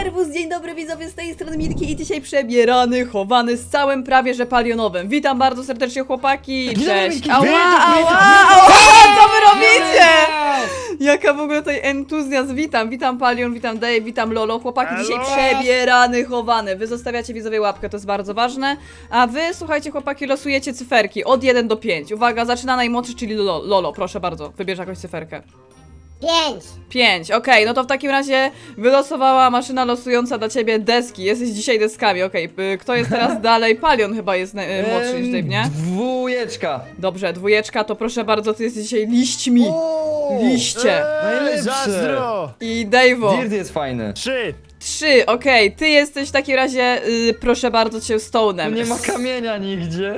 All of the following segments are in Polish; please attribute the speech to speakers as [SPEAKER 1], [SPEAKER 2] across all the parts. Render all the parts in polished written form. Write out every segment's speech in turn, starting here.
[SPEAKER 1] Serwus, dzień dobry widzowie, z tej strony Milki i dzisiaj przebierany, chowany z całym prawie że palionowym. Witam bardzo serdecznie chłopaki, cześć. Ała, co wy robicie? Jaka w ogóle tutaj entuzjazm, witam Palion, witam Dave, witam Lolo. Chłopaki dzisiaj przebierany, chowany. Wy zostawiacie widzowie łapkę, to jest bardzo ważne. A wy, słuchajcie chłopaki, losujecie cyferki od 1 do 5. Uwaga, zaczyna najmłodszy, czyli Lolo, proszę bardzo, wybierz jakąś cyferkę.
[SPEAKER 2] 5.
[SPEAKER 1] 5, okej, no to w takim razie wylosowała maszyna losująca dla ciebie deski. Jesteś dzisiaj deskami, okej. Kto jest teraz dalej? Palion chyba jest młodszy niż Dave, nie?
[SPEAKER 3] Dwójeczka.
[SPEAKER 1] Dobrze, dwójeczka, to proszę bardzo, ty jesteś dzisiaj liśćmi. Liście.
[SPEAKER 3] Najlepsze.
[SPEAKER 4] Zazdro!
[SPEAKER 1] I Dave'o.
[SPEAKER 3] Dirt jest fajny.
[SPEAKER 4] 3.
[SPEAKER 1] 3, okej, ty jesteś w takim razie, proszę bardzo cię,
[SPEAKER 3] Tu
[SPEAKER 1] stone'em.
[SPEAKER 3] nie ma kamienia nigdzie.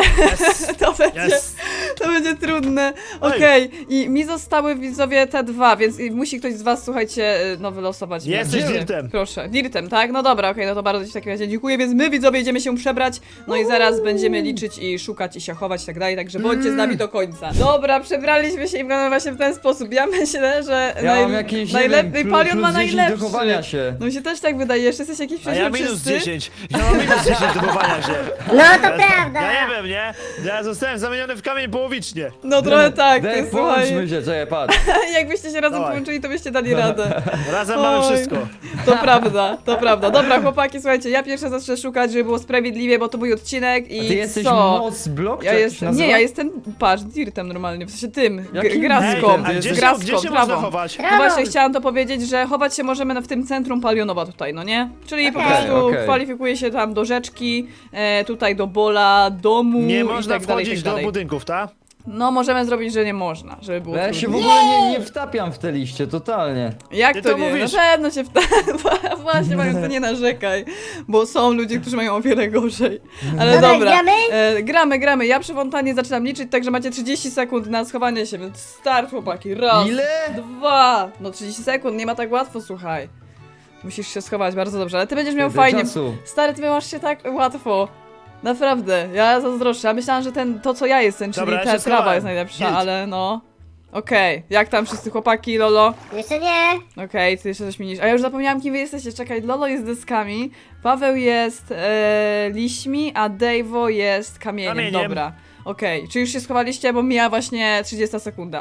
[SPEAKER 1] To będzie trudne. Okej, i mi zostały widzowie te dwa, więc musi ktoś z was, słuchajcie, no wylosować.
[SPEAKER 4] Jesteś
[SPEAKER 1] Gdzie?
[SPEAKER 4] Dirtem.
[SPEAKER 1] Proszę, Dirtem, tak? No dobra, okej, no to bardzo ci w takim razie dziękuję, więc my widzowie idziemy się przebrać, no i zaraz będziemy liczyć i szukać i się chować i tak dalej, także bądźcie z nami do końca. Dobra, przebraliśmy się i wyglądamy właśnie w ten sposób. Ja myślę, że
[SPEAKER 3] Ja mam jakieś,
[SPEAKER 1] najlepiej, Palion ma
[SPEAKER 3] plus 10
[SPEAKER 1] najlepszy.
[SPEAKER 3] do chowania się.
[SPEAKER 1] No mi się też tak wydaje, jeszcze jesteś jakiś
[SPEAKER 4] A ja minus
[SPEAKER 1] przeźroczysty.
[SPEAKER 4] 10. Ja mam minus 10 do chowania się.
[SPEAKER 2] No to prawda.
[SPEAKER 4] Ja nie wiem, nie? Ja zostałem zamieniony w kamień połowicznie.
[SPEAKER 1] No trochę tak,
[SPEAKER 3] Daj,
[SPEAKER 1] ty słuchaj.
[SPEAKER 3] połączmy się, czekaj, patrz.
[SPEAKER 1] Jakbyście się razem
[SPEAKER 4] Dawaj.
[SPEAKER 1] połączyli, to byście dali radę.
[SPEAKER 4] Razem mamy
[SPEAKER 1] Oj.
[SPEAKER 4] wszystko.
[SPEAKER 1] To prawda, to prawda. Dobra, chłopaki, słuchajcie, ja pierwsze zacznę szukać, żeby było sprawiedliwie, bo to mój odcinek i
[SPEAKER 3] A ty jesteś
[SPEAKER 1] co?
[SPEAKER 3] moc blok?
[SPEAKER 1] Ja
[SPEAKER 3] czy jak to się
[SPEAKER 1] jestem,
[SPEAKER 3] nazywa?
[SPEAKER 1] nie, ja jestem, patrz, dirtem normalnie, w sensie tym,
[SPEAKER 3] Jakim
[SPEAKER 1] graską,
[SPEAKER 3] dirtem?
[SPEAKER 4] a
[SPEAKER 3] Ty
[SPEAKER 4] gdzie
[SPEAKER 3] jesteś-
[SPEAKER 4] się,
[SPEAKER 1] graską,
[SPEAKER 4] gdzie się można
[SPEAKER 1] trawą.
[SPEAKER 4] chować?
[SPEAKER 1] No właśnie chciałam to powiedzieć, że chować się możemy w tym centrum Palionowa tutaj, no nie? Czyli po prostu
[SPEAKER 3] okej.
[SPEAKER 1] kwalifikuje się tam do rzeczki, tutaj do bola, domu
[SPEAKER 4] Nie
[SPEAKER 1] i
[SPEAKER 4] można
[SPEAKER 1] tak dalej, i
[SPEAKER 4] wchodzić
[SPEAKER 1] tak
[SPEAKER 4] do
[SPEAKER 1] dalej.
[SPEAKER 4] budynków, tak?
[SPEAKER 1] No możemy zrobić, że nie można, żeby było
[SPEAKER 3] Ja się w
[SPEAKER 1] trudniej.
[SPEAKER 3] ogóle nie wtapiam w te liście, totalnie.
[SPEAKER 1] Jak
[SPEAKER 4] Ty
[SPEAKER 1] to
[SPEAKER 4] to
[SPEAKER 1] nie?
[SPEAKER 4] mówisz.
[SPEAKER 1] Na pewno się Właśnie, Mariusz, to nie narzekaj, bo są ludzie, którzy mają o wiele gorzej. Ale
[SPEAKER 2] Dobra,
[SPEAKER 1] dobra.
[SPEAKER 2] gramy?
[SPEAKER 1] Gramy. Ja przy fontannie zaczynam liczyć, także macie 30 sekund na schowanie się, więc start, chłopaki. Raz,
[SPEAKER 3] Ile?
[SPEAKER 1] 2. No 30 sekund, nie ma tak łatwo, słuchaj. Musisz się schować bardzo dobrze, ale ty będziesz miał
[SPEAKER 3] Tyle
[SPEAKER 1] fajnie.
[SPEAKER 3] czasu.
[SPEAKER 1] Stary, ty masz się tak łatwo. Naprawdę, ja zazdroszczę. Ja myślałam, że to co ja jestem, czyli
[SPEAKER 4] Dobra, ja
[SPEAKER 1] ta
[SPEAKER 4] się
[SPEAKER 1] trawa
[SPEAKER 4] schowałem.
[SPEAKER 1] jest najlepsza,
[SPEAKER 4] Git.
[SPEAKER 1] ale no. Okej, jak tam wszyscy chłopaki, Lolo?
[SPEAKER 2] Jeszcze nie.
[SPEAKER 1] Okej, ty jeszcze coś mi niż. A ja już zapomniałam, kim wy jesteście. Czekaj, Lolo jest deskami, Paweł jest liśćmi, a Dave'o jest kamieniem.
[SPEAKER 4] Kamieniem.
[SPEAKER 1] Dobra. Okej, czy już się schowaliście, bo mija właśnie 30 sekunda.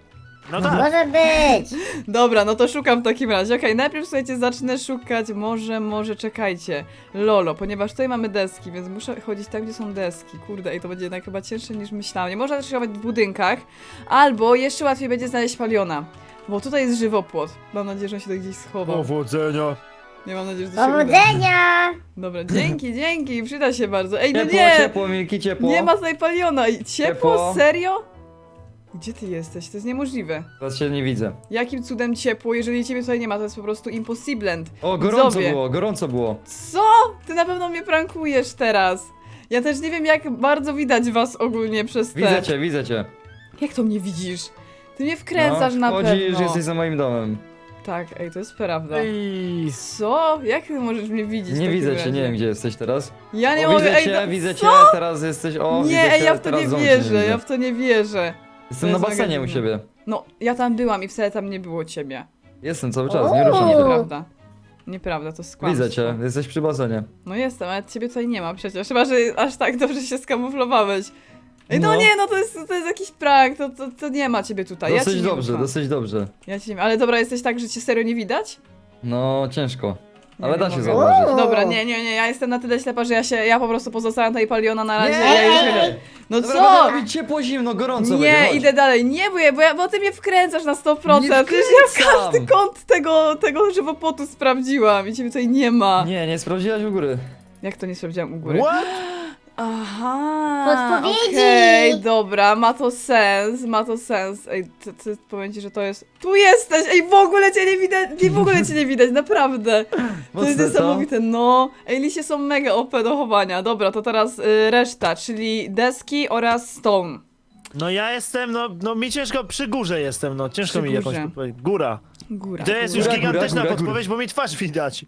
[SPEAKER 4] No tak.
[SPEAKER 2] Może być.
[SPEAKER 1] Dobra, no to szukam w takim razie. Okej, najpierw słuchajcie, zacznę szukać, może czekajcie. Lolo, ponieważ tutaj mamy deski, więc muszę chodzić tam, gdzie są deski. Kurde, ej, to będzie jednak chyba cięższe niż myślałam. Nie można też chować w budynkach, albo jeszcze łatwiej będzie znaleźć Paliona. Bo tutaj jest żywopłot. Mam nadzieję, że on się tu gdzieś schował.
[SPEAKER 4] Powodzenia.
[SPEAKER 1] Nie mam nadzieję, że to się uda.
[SPEAKER 2] Powodzenia.
[SPEAKER 1] Dobra, dzięki, przyda się bardzo. Ej, no
[SPEAKER 3] Ciepło,
[SPEAKER 1] nie!
[SPEAKER 3] ciepło, Milki, ciepło.
[SPEAKER 1] Nie ma tutaj Paliona. I ciepło?
[SPEAKER 3] Ciepło.
[SPEAKER 1] Serio? Gdzie ty jesteś? To jest niemożliwe.
[SPEAKER 3] Teraz się nie widzę.
[SPEAKER 1] Jakim cudem ciepło, jeżeli ciebie tutaj nie ma? To jest po prostu impossible.
[SPEAKER 3] O, gorąco
[SPEAKER 1] Widzowie.
[SPEAKER 3] było, gorąco było.
[SPEAKER 1] Co? Ty na pewno mnie prankujesz teraz. Ja też nie wiem, jak bardzo widać was ogólnie przez te...
[SPEAKER 3] Widzę cię.
[SPEAKER 1] Jak to mnie widzisz? Ty mnie wkręcasz na
[SPEAKER 3] Chodzisz,
[SPEAKER 1] pewno.
[SPEAKER 3] jesteś za moim domem.
[SPEAKER 1] Tak, ej, to jest prawda.
[SPEAKER 4] Ej.
[SPEAKER 1] Co? Jak ty możesz mnie widzieć w
[SPEAKER 3] Nie
[SPEAKER 1] takim
[SPEAKER 3] widzę cię,
[SPEAKER 1] razie?
[SPEAKER 3] nie wiem gdzie jesteś teraz.
[SPEAKER 1] Ja nie
[SPEAKER 3] O,
[SPEAKER 1] mogę,
[SPEAKER 3] widzę
[SPEAKER 1] ej,
[SPEAKER 3] cię,
[SPEAKER 1] no,
[SPEAKER 3] widzę
[SPEAKER 1] co?
[SPEAKER 3] cię, teraz jesteś, o, widzę
[SPEAKER 1] Nie,
[SPEAKER 3] cię,
[SPEAKER 1] ej, ja w to
[SPEAKER 3] teraz
[SPEAKER 1] nie
[SPEAKER 3] ząb cię
[SPEAKER 1] wierzę,
[SPEAKER 3] widzę.
[SPEAKER 1] ja w to nie wierzę.
[SPEAKER 3] Jestem
[SPEAKER 1] To
[SPEAKER 3] na
[SPEAKER 1] jest
[SPEAKER 3] basenie u
[SPEAKER 1] mega
[SPEAKER 3] siebie.
[SPEAKER 1] No, ja tam byłam i wcale tam nie było ciebie.
[SPEAKER 3] Jestem cały czas,
[SPEAKER 2] O.
[SPEAKER 3] nie ruszę się.
[SPEAKER 1] Nieprawda. Nieprawda, to jest kłamstwo.
[SPEAKER 3] Widzę cię, jesteś przy basenie.
[SPEAKER 1] No jestem, ale ciebie tutaj nie ma przecież. Chyba, że aż tak dobrze się skamuflowałeś. Ej, no,
[SPEAKER 3] No.
[SPEAKER 1] nie, no to jest jakiś prank, to nie ma ciebie tutaj. Ja ci
[SPEAKER 3] Dosyć
[SPEAKER 1] nie
[SPEAKER 3] dobrze,
[SPEAKER 1] ufam.
[SPEAKER 3] dosyć dobrze.
[SPEAKER 1] Ja ci nie... Ale dobra, jesteś tak, że cię serio nie widać?
[SPEAKER 3] No, ciężko.
[SPEAKER 1] Nie,
[SPEAKER 3] Ale
[SPEAKER 1] nie
[SPEAKER 3] da się
[SPEAKER 1] mogę.
[SPEAKER 3] zauważyć.
[SPEAKER 2] O.
[SPEAKER 1] Dobra, nie, ja jestem na tyle ślepa, że ja po prostu pozostawiam tutaj Paliona na razie.
[SPEAKER 3] Nie!
[SPEAKER 1] Ja już...
[SPEAKER 2] Ej.
[SPEAKER 1] No
[SPEAKER 3] Dobra,
[SPEAKER 1] co?
[SPEAKER 3] będę robić ciepło, zimno, gorąco będzie,
[SPEAKER 1] Nie,
[SPEAKER 3] chodź.
[SPEAKER 1] idę dalej. Nie, bo ty mnie wkręcasz na 100%.
[SPEAKER 3] Nie
[SPEAKER 1] Przecież ja
[SPEAKER 3] wkręcam.
[SPEAKER 1] każdy kąt tego żywopłotu sprawdziłam i ciebie tutaj nie ma.
[SPEAKER 3] Nie sprawdziłaś u góry.
[SPEAKER 1] Jak to nie sprawdziłam u góry?
[SPEAKER 4] What?
[SPEAKER 1] Aha,
[SPEAKER 2] Podpowiedzi!
[SPEAKER 1] okej, dobra, ma to sens. Ej, ty powiem ci, że to jest... Tu jesteś! Ej, w ogóle cię nie widać, w ogóle cię nie widać, naprawdę. To
[SPEAKER 3] Mocne,
[SPEAKER 1] jest
[SPEAKER 3] co?
[SPEAKER 1] niesamowite, no. Ej, liście są mega OP do chowania. Dobra, to teraz reszta, czyli deski oraz stone.
[SPEAKER 4] No ja jestem, no mi ciężko, przy górze jestem, no ciężko
[SPEAKER 1] Przy
[SPEAKER 4] mi jakąś
[SPEAKER 1] górze.
[SPEAKER 4] podpowiedź. Góra.
[SPEAKER 1] Góra.
[SPEAKER 4] To jest
[SPEAKER 1] góra.
[SPEAKER 4] już gigantyczna
[SPEAKER 3] góra.
[SPEAKER 4] podpowiedź, bo mi twarz widać.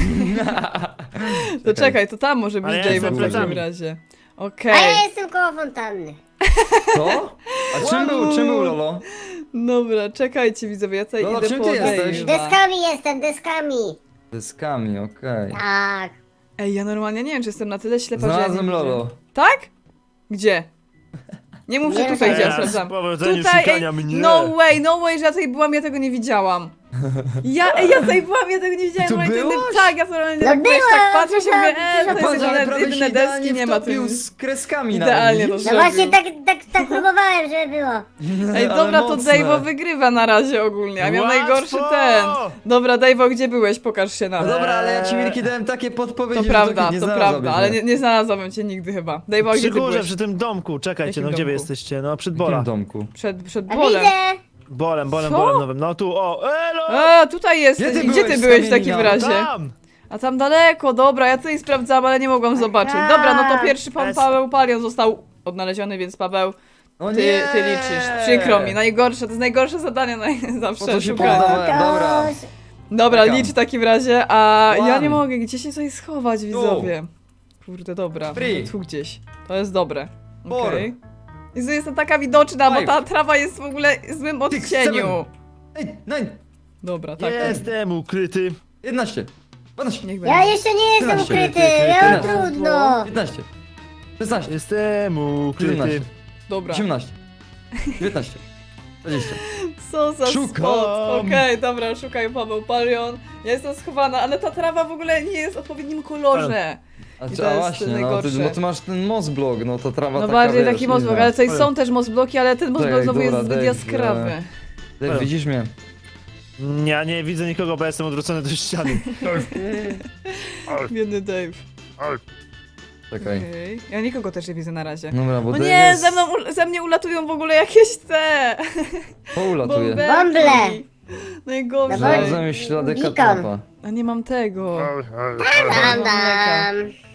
[SPEAKER 1] To czekaj, to tam może być
[SPEAKER 4] Ale ja
[SPEAKER 1] Dave
[SPEAKER 4] jestem
[SPEAKER 1] w takim
[SPEAKER 4] plecami.
[SPEAKER 1] razie.
[SPEAKER 2] A
[SPEAKER 1] Okej.
[SPEAKER 2] ja jestem koło fontanny.
[SPEAKER 3] Co? A czym był Lolo?
[SPEAKER 1] Dobra, czekajcie widzowie, ja tutaj
[SPEAKER 3] Lolo,
[SPEAKER 1] idę
[SPEAKER 3] czym
[SPEAKER 1] po
[SPEAKER 3] ty jesteś?
[SPEAKER 1] Dave'a.
[SPEAKER 2] Deskami jestem, deskami.
[SPEAKER 3] Deskami, okej.
[SPEAKER 2] Tak.
[SPEAKER 1] Ej, ja normalnie nie wiem, czy jestem na tyle ślepa, że ja nie
[SPEAKER 3] Znalazłem
[SPEAKER 1] widzę.
[SPEAKER 3] Lolo.
[SPEAKER 1] Tak? Gdzie? Nie mów, że
[SPEAKER 2] Nie
[SPEAKER 1] tutaj
[SPEAKER 2] wiem.
[SPEAKER 1] gdzie ja
[SPEAKER 4] Teraz
[SPEAKER 1] sprawdzam.
[SPEAKER 4] powodzeniu
[SPEAKER 1] Tutaj,
[SPEAKER 4] szukania mnie.
[SPEAKER 1] no way, że ja tutaj byłam, ja tego nie widziałam. Ja tutaj byłam, ja tego nie widziałam.
[SPEAKER 3] Tu
[SPEAKER 1] normalnie to
[SPEAKER 3] byłaś?
[SPEAKER 1] tak, ja normalnie
[SPEAKER 2] No
[SPEAKER 1] tak, wiesz, tak
[SPEAKER 2] byłam,
[SPEAKER 1] patrzę się, mówię, to
[SPEAKER 3] Patrz,
[SPEAKER 1] jest
[SPEAKER 3] ale
[SPEAKER 1] jedyne,
[SPEAKER 3] prawie się
[SPEAKER 1] jedyne
[SPEAKER 3] idealnie
[SPEAKER 1] deski, nie ma tu
[SPEAKER 3] wtopił
[SPEAKER 1] nic.
[SPEAKER 3] z kreskami
[SPEAKER 1] Idealnie
[SPEAKER 3] nawet,
[SPEAKER 1] to
[SPEAKER 2] No
[SPEAKER 3] widzisz?
[SPEAKER 2] właśnie tak próbowałem, żeby było.
[SPEAKER 1] Ej,
[SPEAKER 3] Ale
[SPEAKER 1] dobra, to
[SPEAKER 3] mocne.
[SPEAKER 1] Dave'o wygrywa na razie ogólnie, a miał
[SPEAKER 4] Łatwo!
[SPEAKER 1] najgorszy ten. Dobra, Dave'o, gdzie byłeś? Pokaż się
[SPEAKER 3] No
[SPEAKER 1] nam.
[SPEAKER 3] dobra, ale ja ci Milki dałem takie podpowiedzi,
[SPEAKER 1] To
[SPEAKER 3] że
[SPEAKER 1] prawda,
[SPEAKER 3] nie
[SPEAKER 1] to
[SPEAKER 3] znalazłbyś
[SPEAKER 1] prawda, ale
[SPEAKER 3] mnie.
[SPEAKER 1] nie znalazłabym cię nigdy chyba. Dave'o,
[SPEAKER 4] Przy
[SPEAKER 1] gdzie ty
[SPEAKER 4] górze,
[SPEAKER 1] byłeś?
[SPEAKER 4] przy tym domku, czekajcie,
[SPEAKER 1] Jakim
[SPEAKER 4] no gdzie wy
[SPEAKER 1] domku?
[SPEAKER 4] jesteście? No przed
[SPEAKER 3] W jakim
[SPEAKER 4] Bola.
[SPEAKER 3] domku?
[SPEAKER 1] Przed
[SPEAKER 2] A
[SPEAKER 1] bolem.
[SPEAKER 2] widzę.
[SPEAKER 4] Bolem
[SPEAKER 1] Co?
[SPEAKER 4] nowym. No tu, o, elo!
[SPEAKER 1] A, tutaj jesteś.
[SPEAKER 3] Gdzie ty
[SPEAKER 1] I gdzie ty
[SPEAKER 3] byłeś,
[SPEAKER 1] byłeś w takim
[SPEAKER 3] Kamienia?
[SPEAKER 1] razie?
[SPEAKER 4] Tam!
[SPEAKER 1] A tam daleko, dobra, ja tutaj sprawdzałam, ale nie mogłam zobaczyć. Dobra, no to pierwszy pan
[SPEAKER 4] Jest.
[SPEAKER 1] Paweł Palion został odnaleziony, więc Paweł,
[SPEAKER 3] No
[SPEAKER 1] ty
[SPEAKER 3] nie!
[SPEAKER 1] liczysz. Przykro mi, najgorsze, to jest najgorsze zadanie
[SPEAKER 3] Po
[SPEAKER 1] zawsze
[SPEAKER 3] co się
[SPEAKER 1] szukać.
[SPEAKER 3] poddawałem? Dobra.
[SPEAKER 1] Dobra,
[SPEAKER 3] Czekam.
[SPEAKER 1] licz w takim razie, a ja
[SPEAKER 3] One.
[SPEAKER 1] nie mogę, gdzie się tutaj schować, widzowie? Kurde, dobra,
[SPEAKER 3] Three.
[SPEAKER 1] może tu gdzieś. To jest dobre.
[SPEAKER 3] Four.
[SPEAKER 1] Okej. I to jest taka widoczna, bo
[SPEAKER 3] Five.
[SPEAKER 1] ta trawa jest w ogóle w złym
[SPEAKER 3] Six,
[SPEAKER 1] odcieniu.
[SPEAKER 3] Ej, 9,
[SPEAKER 1] Dobra, tak.
[SPEAKER 4] Jestem ukryty.
[SPEAKER 3] 11, 12,
[SPEAKER 1] Niech
[SPEAKER 2] Ja
[SPEAKER 1] będzie.
[SPEAKER 2] jeszcze nie jestem
[SPEAKER 3] 13,
[SPEAKER 2] ukryty, ja mam
[SPEAKER 3] 14.
[SPEAKER 2] trudno.
[SPEAKER 3] 15, 16,
[SPEAKER 4] Jestem ukryty.
[SPEAKER 3] 17,
[SPEAKER 1] Dobra.
[SPEAKER 3] 18, 19, 20.
[SPEAKER 1] Co za
[SPEAKER 3] Szukam.
[SPEAKER 1] spot. Okej, dobra, szukaj Paweł Palion. Ja jestem schowana, ale ta trawa w ogóle nie jest w odpowiednim kolorze.
[SPEAKER 3] A,
[SPEAKER 1] I
[SPEAKER 3] czy,
[SPEAKER 1] to
[SPEAKER 3] a
[SPEAKER 1] jest
[SPEAKER 3] właśnie, no
[SPEAKER 1] najgorsze.
[SPEAKER 3] ty masz ten mosblok, no to trawa
[SPEAKER 1] No
[SPEAKER 3] taka,
[SPEAKER 1] bardziej
[SPEAKER 3] wiesz,
[SPEAKER 1] taki mosblok,
[SPEAKER 3] inna.
[SPEAKER 1] ale tutaj są też mosbloki, ale ten mosblok
[SPEAKER 3] Czekaj,
[SPEAKER 1] znowu jest
[SPEAKER 3] dobra,
[SPEAKER 1] zbyt
[SPEAKER 3] Dave,
[SPEAKER 1] jaskrawy.
[SPEAKER 3] Dave, widzisz mnie?
[SPEAKER 4] Ja nie widzę nikogo, bo jestem odwrócony do ściany.
[SPEAKER 1] Biedny Dave.
[SPEAKER 3] Czekaj.
[SPEAKER 1] Okej. Ja nikogo też nie widzę na razie.
[SPEAKER 3] Dobra, bo
[SPEAKER 1] O
[SPEAKER 3] Dave
[SPEAKER 1] nie,
[SPEAKER 3] jest...
[SPEAKER 1] ze mnie ulatują w ogóle jakieś te
[SPEAKER 3] Poulatuje.
[SPEAKER 1] bąbelki.
[SPEAKER 2] Bąble.
[SPEAKER 1] Najgorzej.
[SPEAKER 2] Dawaj.
[SPEAKER 3] Znalazłem już ślady
[SPEAKER 2] Beacon.
[SPEAKER 3] katrapa.
[SPEAKER 1] A nie mam tego.
[SPEAKER 2] Dam, dam.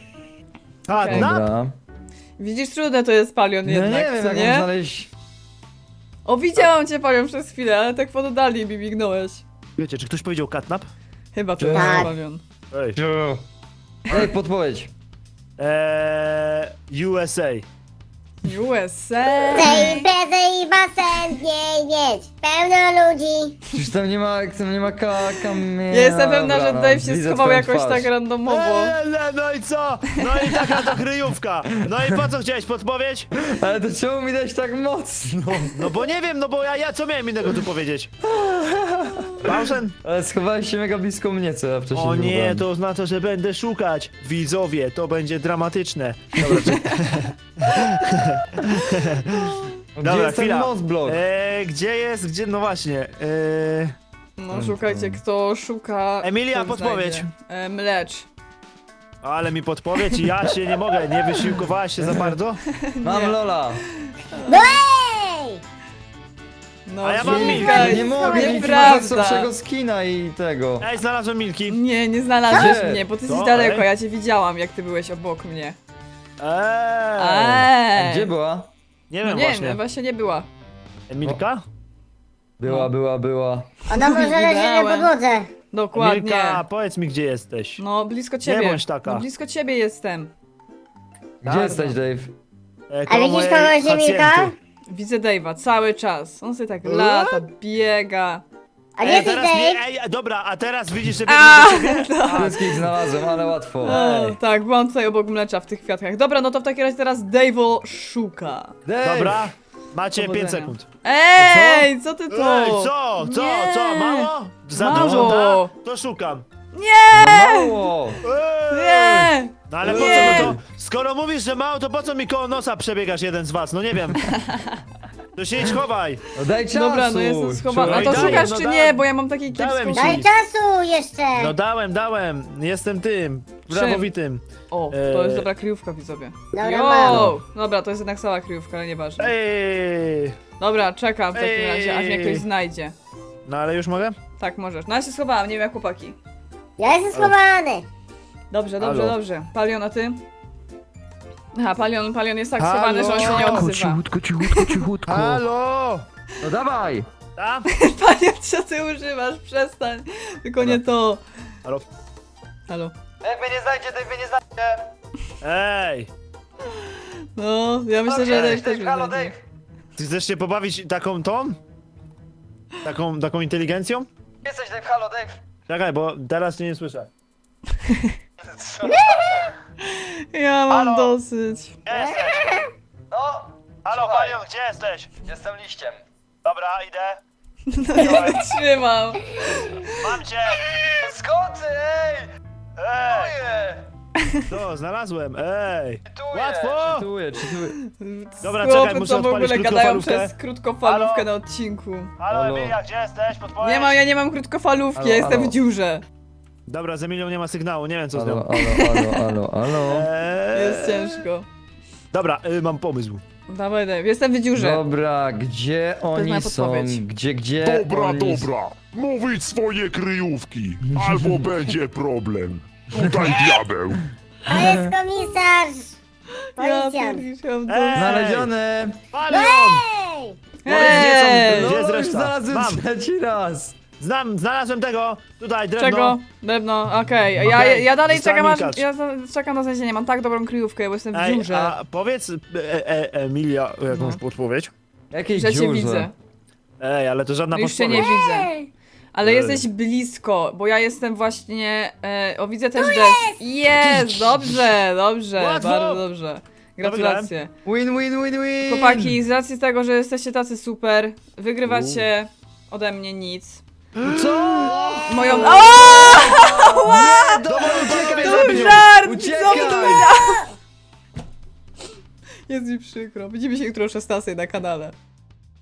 [SPEAKER 4] A,
[SPEAKER 1] Okej.
[SPEAKER 4] na...
[SPEAKER 3] Dobra.
[SPEAKER 1] Widzisz, trudne to jest Palion
[SPEAKER 3] No
[SPEAKER 1] jednak,
[SPEAKER 3] nie wiem,
[SPEAKER 1] co
[SPEAKER 3] jak
[SPEAKER 1] nie?
[SPEAKER 3] mam znaleźć...
[SPEAKER 1] O, widziałam cię Palion przez chwilę, ale tak w oddali mi mignąłeś.
[SPEAKER 4] Wiecie, czy ktoś powiedział katnap?
[SPEAKER 1] Chyba to
[SPEAKER 3] Tak.
[SPEAKER 1] jest Palion.
[SPEAKER 4] Ej.
[SPEAKER 3] Ej, podpowiedź.
[SPEAKER 4] USA.
[SPEAKER 1] USA.
[SPEAKER 2] Chcę imprezę i basen w niej mieć. Pełno ludzi.
[SPEAKER 3] Przecież tam nie ma kamienia.
[SPEAKER 1] Ja jestem pewna, że
[SPEAKER 3] Dobra,
[SPEAKER 1] Dave się
[SPEAKER 3] widzę
[SPEAKER 1] schował
[SPEAKER 3] twoją
[SPEAKER 1] jakoś
[SPEAKER 3] twarz.
[SPEAKER 1] tak randomowo.
[SPEAKER 4] No i co? No i taka to kryjówka. No i po co chciałeś podpowiedź?
[SPEAKER 3] Ale to czemu mi dać tak mocno?
[SPEAKER 4] No bo nie wiem, no bo ja co miałem innego tu powiedzieć? Bałszen?
[SPEAKER 3] Ale schowałeś się mega blisko mnie, co ja wcześniej
[SPEAKER 4] O nie,
[SPEAKER 3] byłem.
[SPEAKER 4] to oznacza, że będę szukać. Widzowie, to będzie dramatyczne. Dobra,
[SPEAKER 3] Gdzie
[SPEAKER 4] Dobra,
[SPEAKER 3] jest ten
[SPEAKER 4] chwila.
[SPEAKER 3] mosblok?
[SPEAKER 4] Gdzie jest, gdzie, no właśnie.
[SPEAKER 1] No szukajcie, kto szuka.
[SPEAKER 4] Emilia,
[SPEAKER 1] kto
[SPEAKER 4] podpowiedź.
[SPEAKER 1] znajdzie. Mlecz.
[SPEAKER 4] Ale mi podpowiedź i ja się nie mogę, nie wysiłkowałaś się za bardzo?
[SPEAKER 3] Mam Lola.
[SPEAKER 2] No ej!
[SPEAKER 1] No,
[SPEAKER 4] A ja mam
[SPEAKER 1] szukaj.
[SPEAKER 4] Milkę.
[SPEAKER 3] Nie mogę mieć
[SPEAKER 1] Nieprawda.
[SPEAKER 3] najsłabszego skina i tego.
[SPEAKER 4] Ej, znalazłem Milki.
[SPEAKER 1] Nie znalazłeś
[SPEAKER 3] Gdzie?
[SPEAKER 1] mnie, bo ty jesteś
[SPEAKER 4] Co?
[SPEAKER 1] daleko,
[SPEAKER 4] Ej?
[SPEAKER 1] ja cię widziałam, jak ty byłeś obok mnie.
[SPEAKER 3] A gdzie była?
[SPEAKER 4] Nie
[SPEAKER 1] No
[SPEAKER 4] wiem
[SPEAKER 1] nie,
[SPEAKER 4] właśnie.
[SPEAKER 1] no właśnie nie była.
[SPEAKER 4] Emilka?
[SPEAKER 3] Była.
[SPEAKER 2] Ona może leży na
[SPEAKER 1] Widziałem.
[SPEAKER 2] podłodze.
[SPEAKER 1] Dokładnie.
[SPEAKER 4] Emilka, powiedz mi, gdzie jesteś.
[SPEAKER 1] No, blisko ciebie.
[SPEAKER 4] bądź taka.
[SPEAKER 1] No, blisko ciebie jestem.
[SPEAKER 3] Gdzie
[SPEAKER 4] Tak,
[SPEAKER 3] jesteś, Dave?
[SPEAKER 2] A
[SPEAKER 4] Koło
[SPEAKER 2] widzisz
[SPEAKER 4] mojej
[SPEAKER 2] kogoś, Emilka?
[SPEAKER 4] pacjenty.
[SPEAKER 1] Widzę Dave'a cały czas. On sobie tak lata, biega.
[SPEAKER 2] A gdzie
[SPEAKER 4] Ej,
[SPEAKER 2] jesteś,
[SPEAKER 4] teraz nie,
[SPEAKER 2] Dave?
[SPEAKER 4] ej, dobra, a teraz widzisz, że
[SPEAKER 1] A,
[SPEAKER 4] biegnie do ciebie?
[SPEAKER 3] Wszystkich znalazłem, ale łatwo.
[SPEAKER 1] O, tak, byłam tutaj obok mlecza w tych kwiatkach. Dobra, no to w takim razie teraz Dave'o szuka.
[SPEAKER 3] Dave!
[SPEAKER 4] Dobra, macie
[SPEAKER 1] Powodzenia.
[SPEAKER 4] 5 sekund.
[SPEAKER 1] Ej, co ty to?
[SPEAKER 4] Ej, co?
[SPEAKER 1] Nie.
[SPEAKER 4] Co? Mało? Za
[SPEAKER 1] Mało.
[SPEAKER 4] dużo, tak? To szukam.
[SPEAKER 3] Mało!
[SPEAKER 4] Ej!
[SPEAKER 1] Nie!
[SPEAKER 4] No ale po
[SPEAKER 1] Nie.
[SPEAKER 4] co, no to, skoro mówisz, że mało, to po co mi koło nosa przebiegasz jeden z was? No nie wiem. To się idź chowaj.
[SPEAKER 3] No daj czasu!
[SPEAKER 1] Dobra, no jestem schowana. A to
[SPEAKER 4] Daję,
[SPEAKER 1] szukasz
[SPEAKER 4] no
[SPEAKER 1] czy
[SPEAKER 4] dałem.
[SPEAKER 1] nie? Bo ja mam takie
[SPEAKER 4] Dałem
[SPEAKER 1] kiepską...
[SPEAKER 4] ci.
[SPEAKER 2] Daj czasu jeszcze.
[SPEAKER 4] No dałem. Jestem tym. Prawowitym.
[SPEAKER 1] O, to jest dobra kryjówka, widzowie.
[SPEAKER 2] Dobra, mam.
[SPEAKER 1] Yo! Dobra, to jest jednak cała kryjówka, ale nieważne.
[SPEAKER 4] Ej!
[SPEAKER 1] Dobra, czekam w takim
[SPEAKER 4] Ej.
[SPEAKER 1] razie, aż mnie ktoś znajdzie.
[SPEAKER 4] No ale już mogę?
[SPEAKER 1] Tak, możesz. No ja się schowałam, nie wiem jak chłopaki.
[SPEAKER 2] Ja jestem schowany.
[SPEAKER 1] Dobrze.
[SPEAKER 4] Halo.
[SPEAKER 1] Palion, a ty? Aha, Palion jest tak schowany, że on się nie odzywa.
[SPEAKER 4] cichutko. Halo!
[SPEAKER 3] No dawaj!
[SPEAKER 4] Tam?
[SPEAKER 1] Palion, co ty używasz? Przestań. Tylko nie to.
[SPEAKER 4] Halo?
[SPEAKER 1] Halo.
[SPEAKER 3] Jak mnie nie znajdzie, Dave mnie nie znajdzie!
[SPEAKER 4] Ej!
[SPEAKER 1] No, ja myślę, że Dave też
[SPEAKER 3] Halo,
[SPEAKER 1] będzie.
[SPEAKER 3] Dave!
[SPEAKER 4] Ty chcesz się pobawić taką tą? Taką inteligencją?
[SPEAKER 3] Jesteś, Dave, halo, Dave!
[SPEAKER 4] Czekaj, bo teraz cię nie słyszę.
[SPEAKER 1] Ja mam
[SPEAKER 3] Halo?
[SPEAKER 1] dosyć.
[SPEAKER 3] Gdzie jesteś? No,
[SPEAKER 4] Halo,
[SPEAKER 3] słuchaj,
[SPEAKER 4] Palion, gdzie jesteś?
[SPEAKER 3] jestem liściem.
[SPEAKER 4] Dobra, idę.
[SPEAKER 1] Trzymam.
[SPEAKER 4] Mam cię!
[SPEAKER 3] Skoty, ej!
[SPEAKER 4] Ej!
[SPEAKER 3] Czytuję!
[SPEAKER 4] To, znalazłem, ej!
[SPEAKER 3] Czytuję!
[SPEAKER 4] Łatwo!
[SPEAKER 3] Czytuję.
[SPEAKER 4] Dobra,
[SPEAKER 1] Chłopy,
[SPEAKER 4] czekaj, muszę
[SPEAKER 1] co w ogóle
[SPEAKER 4] odpalić
[SPEAKER 1] gadają
[SPEAKER 4] krótkofalówkę.
[SPEAKER 1] przez krótkofalówkę
[SPEAKER 4] Halo?
[SPEAKER 1] na odcinku.
[SPEAKER 4] Halo,
[SPEAKER 3] Halo.
[SPEAKER 4] Emilia, gdzie jesteś? Podpowiedź?
[SPEAKER 1] Ja nie mam krótkofalówki,
[SPEAKER 3] Halo,
[SPEAKER 1] ja jestem
[SPEAKER 3] halo.
[SPEAKER 1] w dziurze.
[SPEAKER 4] Dobra, z Emilią nie ma sygnału, nie wiem co z
[SPEAKER 3] Halo,
[SPEAKER 4] nią.
[SPEAKER 3] halo.
[SPEAKER 1] Jest ciężko.
[SPEAKER 4] Dobra, mam pomysł.
[SPEAKER 1] Dawaj, jestem w dziurze.
[SPEAKER 3] Dobra, gdzie
[SPEAKER 1] moja
[SPEAKER 3] oni są?
[SPEAKER 1] podpowiedź.
[SPEAKER 3] Gdzie
[SPEAKER 5] Dobra,
[SPEAKER 3] oni
[SPEAKER 5] dobra. Mówić swoje kryjówki, albo będzie problem. Tutaj diabeł.
[SPEAKER 2] To jest komisarz!
[SPEAKER 1] Ja
[SPEAKER 2] Policjant!
[SPEAKER 1] pierdziłam
[SPEAKER 4] Ej!
[SPEAKER 1] dosyć.
[SPEAKER 3] Znalezione!
[SPEAKER 4] Palion!
[SPEAKER 2] Ej!
[SPEAKER 1] Ej!
[SPEAKER 4] Gdzie jest
[SPEAKER 3] No, już
[SPEAKER 4] reszta?
[SPEAKER 3] znalazłem
[SPEAKER 4] Mam.
[SPEAKER 3] trzeci raz!
[SPEAKER 4] Znalazłem tego! Tutaj, drewno.
[SPEAKER 1] Czego? Drewno, okej.
[SPEAKER 4] Okej,
[SPEAKER 1] Ja dalej
[SPEAKER 4] zostałem
[SPEAKER 1] czekam aż...
[SPEAKER 4] Milkacz.
[SPEAKER 1] Ja czekam na znalezienie, mam tak dobrą kryjówkę, bo jestem w
[SPEAKER 4] Ej,
[SPEAKER 1] dziurze.
[SPEAKER 4] a powiedz Emilia jakąś podpowiedź.
[SPEAKER 3] Jakiej
[SPEAKER 1] Że cię
[SPEAKER 3] dziurze?
[SPEAKER 1] widzę.
[SPEAKER 4] Ej, ale to żadna
[SPEAKER 1] No już cię nie
[SPEAKER 4] podpowiedź.
[SPEAKER 1] widzę.
[SPEAKER 2] Ej!
[SPEAKER 1] Ale
[SPEAKER 4] Ej.
[SPEAKER 1] jesteś blisko, bo ja jestem właśnie... o, widzę też deszcz. Jest! Dobrze, dobrze,
[SPEAKER 4] Łatwo!
[SPEAKER 1] bardzo dobrze. Gratulacje.
[SPEAKER 3] Win!
[SPEAKER 1] Chłopaki, z racji tego, że jesteście tacy super, wygrywacie ode mnie nic.
[SPEAKER 4] Co?
[SPEAKER 1] Moją... O!
[SPEAKER 3] Dobra, uciekaj!
[SPEAKER 1] To
[SPEAKER 4] zabił.
[SPEAKER 1] był żart! Co
[SPEAKER 3] Uciekaj!
[SPEAKER 1] wy to powiedział? Jest mi przykro. Widzimy się jutro o 16 na kanale.